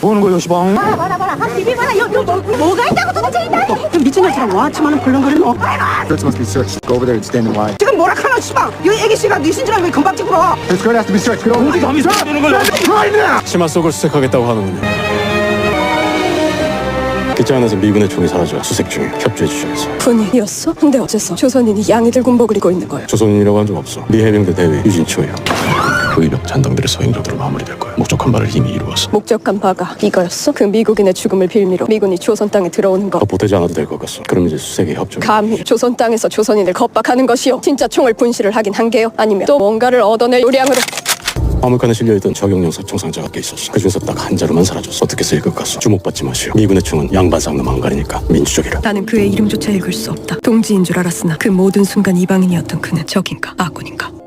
뭐 하는 거야 시방? 봐라 한 비비봐라 요 뭐가 있다고 도대체 이 미친 녀석랑 와치만은 벌렁거리노. Skirts must be searched. Go over there and stand in line. 지금 뭐라 카노 시방. 여기 애기씨가 네 신주랑 왜 금방 찍으러. The skirt has to be searched. Get over. 공기 감이 되는 거야. 치마 속을 수색하겠다고 하는군요. 기자 안에서 미군의 총이 사라져 수색 중에 협조해 주셔야죠. 군인이었어? 근데 어째서 조선인이 양이들 군복을 입고 있는 거야? 조선인이라고 한 적 없어. 미 해병대 대위 유진초예요. 의병 잔당들의 서행 정도로 마무리될 거야. 목적한 바를 이미 이루었어. 목적한 바가 이거였어? 그 미국인의 죽음을 빌미로 미군이 조선 땅에 들어오는 거 더 보태지 않아도 될 것 같소. 그럼 이제 수색에 협조. 감히 조선 땅에서 조선인을 겁박하는 것이요? 진짜 총을 분실을 하긴 한 게요? 아니면 또 뭔가를 얻어낼 요량으로? 화물칸에 실려있던 적용용 사총 상자가 꽤 있었어. 그중에서 딱 한 자루만 사라졌어. 어떻게 쓰일 것 같소? 주목받지 마시오. 미군의 총은 양반상도 망가리니까 민주적이라. 나는 그의 이름조차 읽을 수 없다. 동지인 줄 알았으나 그 모든 순간 이방인이었던 그는 적인가 아군인가?